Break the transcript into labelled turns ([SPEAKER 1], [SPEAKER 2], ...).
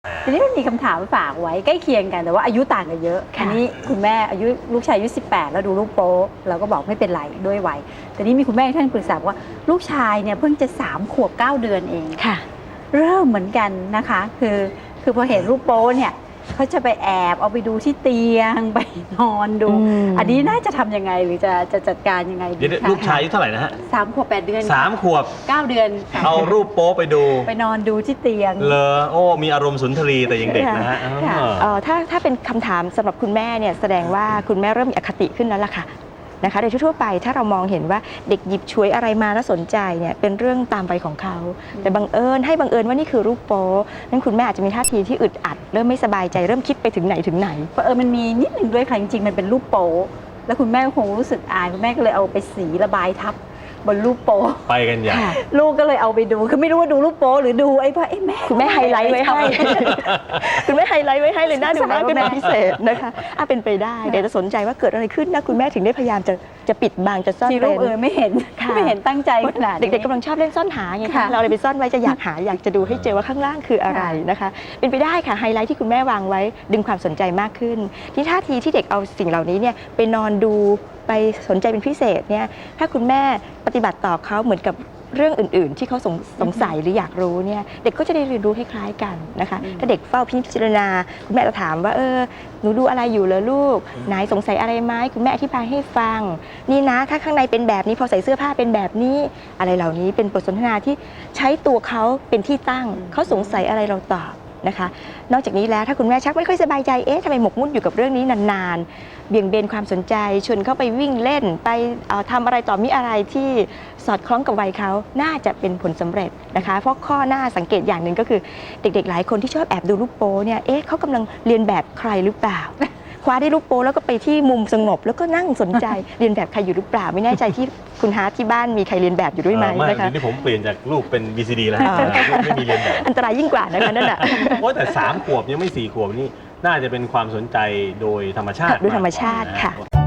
[SPEAKER 1] ทีนี้มันมีคำถามฝากไว้ใกล้เคียงกันแต่ว่าอายุต่างกันเยอะอันนี้คุณแม่อายุลูกชายอายุ18แล้วดูรูปโป๊เราก็บอกไม่เป็นไรด้วยวัยแต่นี้มีคุณแม่ท่านปรึกษาว่าลูกชายเนี่ยเพิ่งจะ3 ขวบ 9 เดือนเอง
[SPEAKER 2] ค่ะ
[SPEAKER 1] เริ่มเหมือนกันนะคะคือพอเห็นรูปโป๊เนี่ยเขาจะไปแอบเอาไปดูที่เตียงไปนอนดูอันนี้น่าจะทำยังไงหรือจะจัดการยังไงดีคะ
[SPEAKER 3] ลูกชายอายุเท่าไหร่นะฮะ
[SPEAKER 1] 3 ขวบ 8 เดือน
[SPEAKER 3] 3 ขวบ
[SPEAKER 1] 9 เดือน
[SPEAKER 3] เอารูปโป๊ไปดู
[SPEAKER 1] ไปนอนดูที่เตียง
[SPEAKER 3] เลอโอ้มีอารมณ์สุนทรีแต่ยังเด็กนะฮะ
[SPEAKER 2] ถ้าเป็นคำถามสำหรับคุณแม่เนี่ยแสดงว่าคุณแม่เริ่มมีอคติขึ้นแล้วล่ะค่ะนะคะโดยทั่วไปถ้าเรามองเห็นว่าเด็กหยิบฉวยอะไรมาแล้วสนใจเนี่ยเป็นเรื่องตามวัยของเขาแต่บังเอิญว่านี่คือรูปโป๊นั้นคุณแม่อาจจะมีท่าทีที่อึดอัดเริ่มไม่สบายใจเริ่มคิดไปถึงไหน
[SPEAKER 1] มันมีนิดนึงด้วยค่ะจริงๆมันเป็นรูปโป๊แล้วคุณแม่คงรู้สึกอายคุณแม่ก็เลยเอาไปสีระบายทับบนรูปโป๊
[SPEAKER 3] ไปกันใหญ่
[SPEAKER 1] ลูกก็เลยเอาไปดูคือไม่รู้ว่าดูรูปโป๊หรือดูไอ้พ่อแม่
[SPEAKER 2] คุณแม่ไฮไลท์ไว้ให้คุณแม่ไฮไลท์ไว้ให้เลยน่าดูมากเป็นพิเศษนะคะเป็นไปได้เดี๋ยวจะสนใจว่าเกิดอะไรขึ้นนะคุณแม่ถึงได้พยายามจะปิดบังจะซ่อนเร้น
[SPEAKER 1] ไม่เห็นตั้งใจขนาด
[SPEAKER 2] เด็กๆกำลังชอบเล่นซ่อนหาไงคะเราอะไรไปซ่อนไว้จะอยากหาอยากจะดูให้เจอว่าข้างล่างคืออะไรนะคะเป็นไปได้ค่ะไฮไลท์ที่คุณแม่วางไว้ดึงความสนใจมากขึ้นที่ท่าทีที่เด็กเอาสิ่งเหล่านี้เนี่ยไปนอนดูไปสนใจเป็นพิเศษเนี่ยถ้าคุณแม่ปฏิบัติต่อเขาเหมือนกับเรื่องอื่นๆที่เขาสงสัยหรืออยากรู้เนี่ยเด็กก็จะได้เรียนรู้คล้ายๆกันนะคะถ้าเด็กเฝ้าพิจารณาคุณแม่จะถามว่าหนูดูอะไรอยู่เหรอลูกไหนสงสัยอะไรไหมคุณแม่อธิบายให้ฟังนี่นะถ้าข้างในเป็นแบบนี้พอใส่เสื้อผ้าเป็นแบบนี้อะไรเหล่านี้เป็นบทสนทนาที่ใช้ตัวเขาเป็นที่ตั้งเขาสงสัยอะไรเราตอบนะคะนอกจากนี้แล้วถ้าคุณแม่ชักไม่ค่อยสบายใจทำไมหมกมุ่นอยู่กับเรื่องนี้นานๆเบี่ยงเบนความสนใจชวนเขาไปวิ่งเล่นไปทำอะไรต่อมีอะไรที่สอดคล้องกับวัยเขาน่าจะเป็นผลสำเร็จนะคะเพราะข้อหน้าสังเกตอย่างหนึ่งก็คือเด็กๆหลายคนที่ชอบแอบดูรูปโป๊เนี่ยเขากำลังเรียนแบบใครหรือเปล่าคว้าได้รูปโป๊แล้วก็ไปที่มุมสงบแล้วก็นั่งสนใจเรียนแบบใครอยู่หรือเปล่าไม่แน่ใจที่คุณฮาร์ทที่บ้านมีใครเรียนแบบอยู่ด้วยไหมนะคะ
[SPEAKER 3] นี่ผมเปลี่ยนจากรูปเป็น VCD แล้วไม่มีเรียนแบบ
[SPEAKER 2] อันตรายยิ่งกว่านะคะนั่นแหละ
[SPEAKER 3] แต่3 ขวบยังไม่4 ขวบนี่น่าจะเป็นความสนใจโดยธรรมชาติ
[SPEAKER 2] ค่ะ